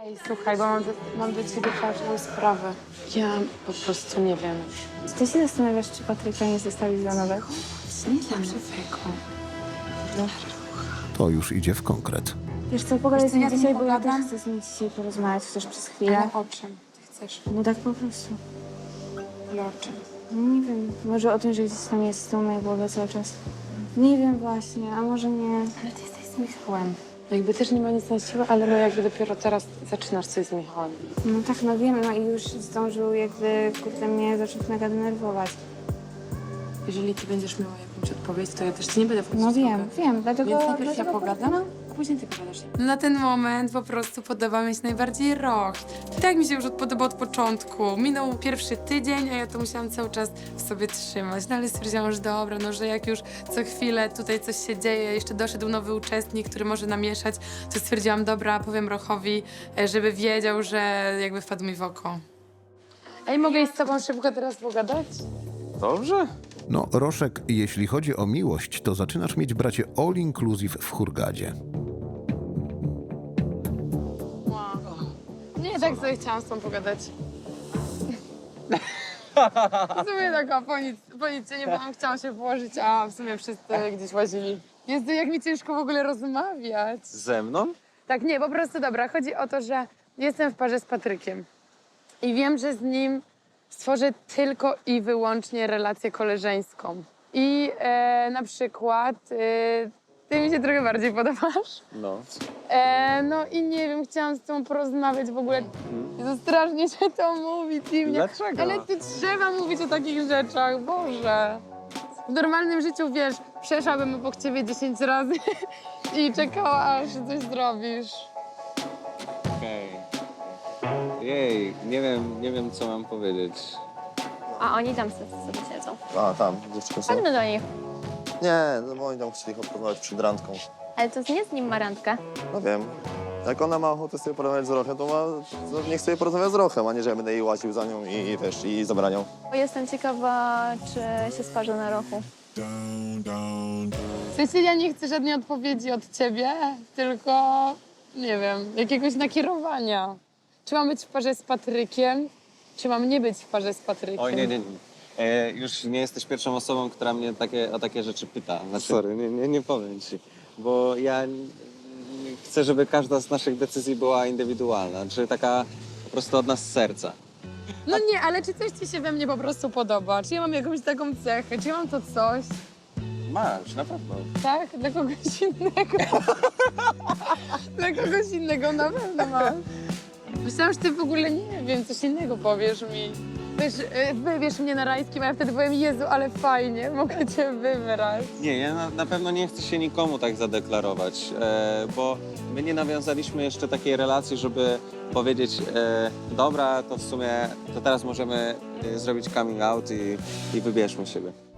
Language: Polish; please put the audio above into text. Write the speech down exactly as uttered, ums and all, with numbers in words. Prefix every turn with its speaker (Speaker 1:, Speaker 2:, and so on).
Speaker 1: Ej, słuchaj, bo mam do, mam do ciebie ważną sprawę. Ja po prostu nie wiem.
Speaker 2: Czy ty się zastanawiasz, czy Patryka nie zostawić dla nowego?
Speaker 1: Nie dla żywego. No.
Speaker 3: To już idzie w konkret.
Speaker 2: Wiesz co, pogadaj z
Speaker 1: Wiesz co,
Speaker 2: nim
Speaker 1: ja z nim
Speaker 2: dzisiaj, bo ja
Speaker 1: pogadam.
Speaker 2: też chcę z nim dzisiaj porozmawiać, chociaż przez chwilę.
Speaker 1: Ale o czym ty chcesz?
Speaker 2: No tak po prostu.
Speaker 1: Ale o czym?
Speaker 2: No nie wiem, może o tym, że gdzieś tam jest z tą mojej głowy cały czas. Nie wiem właśnie, a może nie.
Speaker 1: Ale ty jesteś z Michałem. Jakby też nie ma nic na siłę, ale no jakby dopiero teraz zaczynasz coś z Michałem.
Speaker 2: No tak, no wiem, no i już zdążył jakby, kurde, mnie zacząć mega denerwować.
Speaker 1: Jeżeli ty będziesz miała jakąś odpowiedź, to ja też ci nie będę wchodzić
Speaker 2: No
Speaker 1: w
Speaker 2: wiem,
Speaker 1: drogę.
Speaker 2: wiem, dlatego...
Speaker 1: Więc najpierw ja
Speaker 2: dlatego
Speaker 1: pogadam,
Speaker 2: no.
Speaker 1: a później ty pogadasz. Na ten moment po prostu podoba mi się najbardziej rok. I tak mi się już podoba od początku. Minął pierwszy tydzień, a ja to musiałam cały czas w sobie trzymać. No ale stwierdziłam, że dobra, no że jak już co chwilę tutaj coś się dzieje, jeszcze doszedł nowy uczestnik, który może namieszać, to stwierdziłam, dobra, powiem Rochowi, e, żeby wiedział, że jakby wpadł mi w oko. Ej, mogę iść z tobą szybko teraz pogadać?
Speaker 4: Dobrze?
Speaker 3: No, Roszek, jeśli chodzi o miłość, to zaczynasz mieć, bracie, all inclusive w Hurgadzie.
Speaker 1: Nie, tak sobie chciałam z tą pogadać. W sumie taka, po nic, po nic nie byłam, chciałam się położyć, a w sumie wszyscy gdzieś łazili. Jezu, jak mi ciężko w ogóle rozmawiać.
Speaker 4: Ze mną?
Speaker 1: Tak, nie, po prostu dobra, chodzi o to, że jestem w parze z Patrykiem i wiem, że z nim stworzę tylko i wyłącznie relację koleżeńską. I e, na przykład e, ty mi się trochę bardziej podobasz.
Speaker 4: No.
Speaker 1: E, no i nie wiem, chciałam z tą porozmawiać w ogóle. To strasznie się to mówi, dziwnie.
Speaker 4: Dlaczego?
Speaker 1: Ale ty trzeba mówić o takich rzeczach, Boże. W normalnym życiu, wiesz, przeszłabym obok ciebie dziesięć razy i czekała, aż coś zrobisz.
Speaker 4: Okej. Jej, nie wiem, nie wiem, co mam powiedzieć.
Speaker 5: A oni tam sobie siedzą.
Speaker 6: A, tam, dziewczyny są.
Speaker 5: Chodźmy do nich.
Speaker 6: Nie, no bo oni tam chcieli porozmawiać przed randką.
Speaker 5: Ale to nie z nim ma randkę.
Speaker 6: No wiem. Jak ona ma ochotę sobie porozmawiać z Rochem, to, ma, to niech sobie porozmawia z Rochem, a nie, że ja będę jej łaził za nią i, i wiesz, i zabraniał.
Speaker 5: Bo jestem ciekawa, czy się sparzy na rochu.
Speaker 1: W sensie ja nie chcę żadnej odpowiedzi od ciebie, tylko, nie wiem, jakiegoś nakierowania. Czy mam być w parze z Patrykiem, czy mam nie być w parze z Patrykiem?
Speaker 4: Oj, nie, nie, nie. E, już nie jesteś pierwszą osobą, która mnie takie, o takie rzeczy pyta. Znaczy, sorry, nie, nie, nie powiem ci. Bo ja n- n- chcę, żeby każda z naszych decyzji była indywidualna. Czy taka po prostu od nas z serca.
Speaker 1: No nie, ale czy coś ci się we mnie po prostu podoba? Czy ja mam jakąś taką cechę? Czy ja mam to coś?
Speaker 4: Masz, na pewno.
Speaker 1: Tak? Dla kogoś innego. Dla kogoś innego na pewno masz. Myślałam, że ty w ogóle nie wiem, coś innego powiesz mi. Wiesz, y, wybierz mnie na rajskim, a ja wtedy powiem, Jezu, ale fajnie, mogę cię wybrać.
Speaker 4: Nie, ja na, na pewno nie chcę się nikomu tak zadeklarować, e, bo my nie nawiązaliśmy jeszcze takiej relacji, żeby powiedzieć, e, dobra, to w sumie, to teraz możemy e, zrobić coming out i, i wybierzmy siebie.